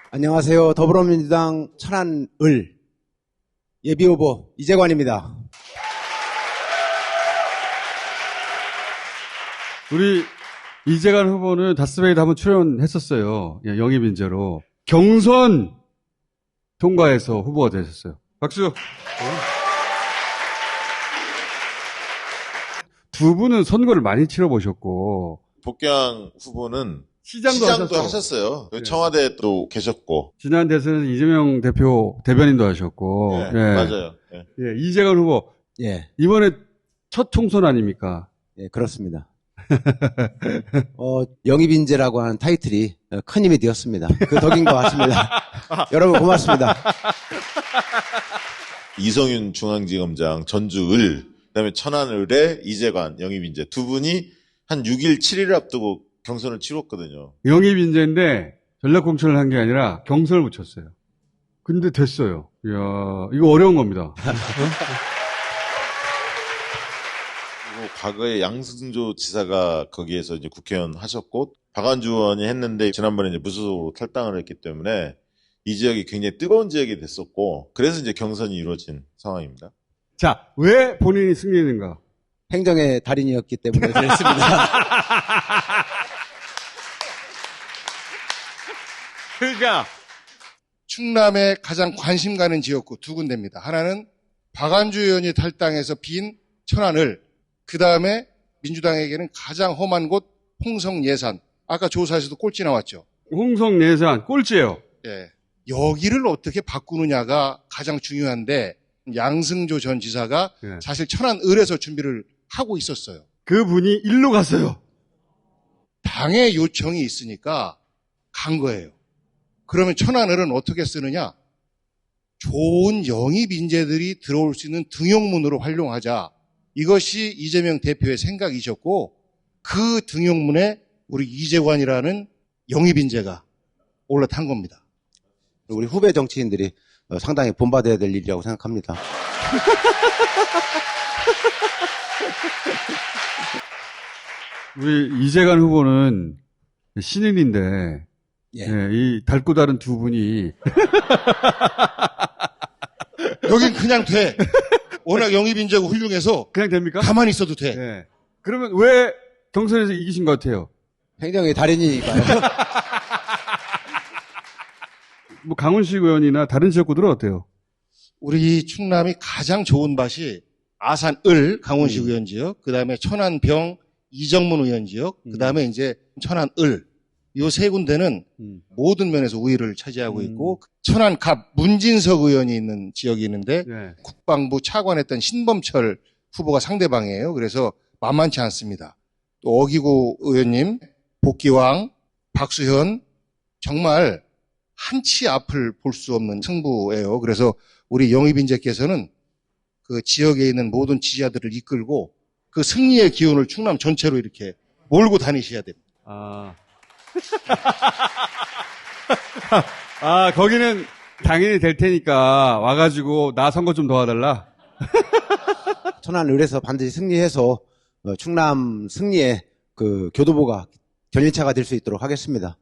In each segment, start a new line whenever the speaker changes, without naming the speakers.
안녕하세요. 더불어민주당 천안을 예비후보 이재관입니다.
우리 이재관 후보는 다스베이드 한번 출연했었어요. 예, 영입 인재로. 경선 통과해서 후보가 되셨어요. 박수. 두 분은 선거를 많이 치러보셨고.
복경 후보는
시장도
하셨어요.
네.
청와대도 계셨고.
지난 대선에서 이재명 대변인도 하셨고.
네,
예.
맞아요. 네.
예, 이재관 후보.
예,
이번에 첫 총선 아닙니까?
예, 그렇습니다. 영입인재라고 하는 타이틀이 큰 힘이 되었습니다. 그 덕인 것 같습니다. 여러분 고맙습니다.
이성윤 중앙지검장 전주을, 그다음에 천안을의 이재관 영입인재 두 분이 한 6일, 7일 앞두고 경선을 치렀거든요.
영입 인재인데 전략 공천을 한 게 아니라 경선을 붙였어요. 근데 됐어요. 이야, 이거 어려운 겁니다.
그리고 과거에 양승조 지사가 거기에서 이제 국회의원 하셨고, 박완주 의원이 했는데 지난번에 이제 무소속으로 탈당을 했기 때문에 이 지역이 굉장히 뜨거운 지역이 됐었고, 그래서 이제 경선이 이루어진 상황입니다.
자, 왜 본인이 승리했는가?
행정의 달인이었기 때문에 그랬습니다.
그러니까
충남에 가장 관심 가는 지역구 두 군데입니다. 하나는 박완주 의원이 탈당해서 빈 천안을, 그 다음에 민주당에게는 가장 험한 곳 홍성 예산. 아까 조사에서도 꼴찌 나왔죠.
홍성 예산 꼴찌예요.
예. 여기를 어떻게 바꾸느냐가 가장 중요한데, 양승조 전 지사가
예.
사실 천안을에서 준비를 하고 있었어요.
그분이 일로 갔어요.
당의 요청이 있으니까 간 거예요. 그러면 천안을은 어떻게 쓰느냐? 좋은 영입 인재들이 들어올 수 있는 등용문으로 활용하자. 이것이 이재명 대표의 생각이셨고, 그 등용문에 우리 이재관이라는 영입 인재가 올라탄 겁니다.
우리 후배 정치인들이 상당히 본받아야 될 일이라고 생각합니다.
우리 이재관 후보는 신인인데
예.
예, 이 닳고 다른 두 분이
여긴 그냥 돼. 워낙 영입 인재가 훌륭해서
그냥 됩니까?
가만히 있어도 돼.
예. 그러면 왜 경선에서 이기신 것 같아요?
행정의 달인이니까요.
뭐 강훈식 의원이나 다른 지역구들은 어때요?
우리 충남이 가장 좋은 밭이 아산을 강원식 의원 지역, 그 다음에 천안병 이정문 의원 지역, 그 다음에 이제 천안을, 요 세 군데는 모든 면에서 우위를 차지하고 있고, 천안갑 문진석 의원이 있는 지역이 있는데,
네.
국방부 차관했던 신범철 후보가 상대방이에요. 그래서 만만치 않습니다. 또 어기구 의원님, 복기왕, 박수현, 정말 한치 앞을 볼 수 없는 승부예요. 그래서 우리 영입인재께서는 그 지역에 있는 모든 지지자들을 이끌고 그 승리의 기운을 충남 전체로 이렇게 몰고 다니셔야 됩니다.
거기는 당연히 될 테니까 와가지고 나 선거 좀 도와달라.
천안을에서 반드시 승리해서 충남 승리의 그 교도보가 견인차가 될 수 있도록 하겠습니다.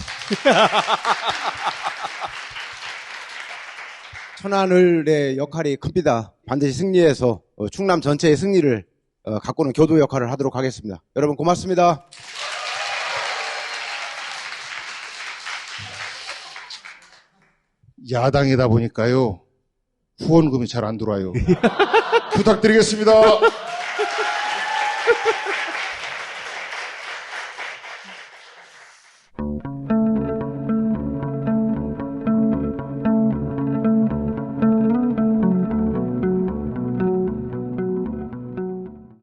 천안을의 역할이 큽니다. 반드시 승리해서 충남 전체의 승리를 가꾸는 교도 역할을 하도록 하겠습니다. 여러분 고맙습니다.
야당이다 보니까요, 후원금이 잘 안 들어와요. 부탁드리겠습니다.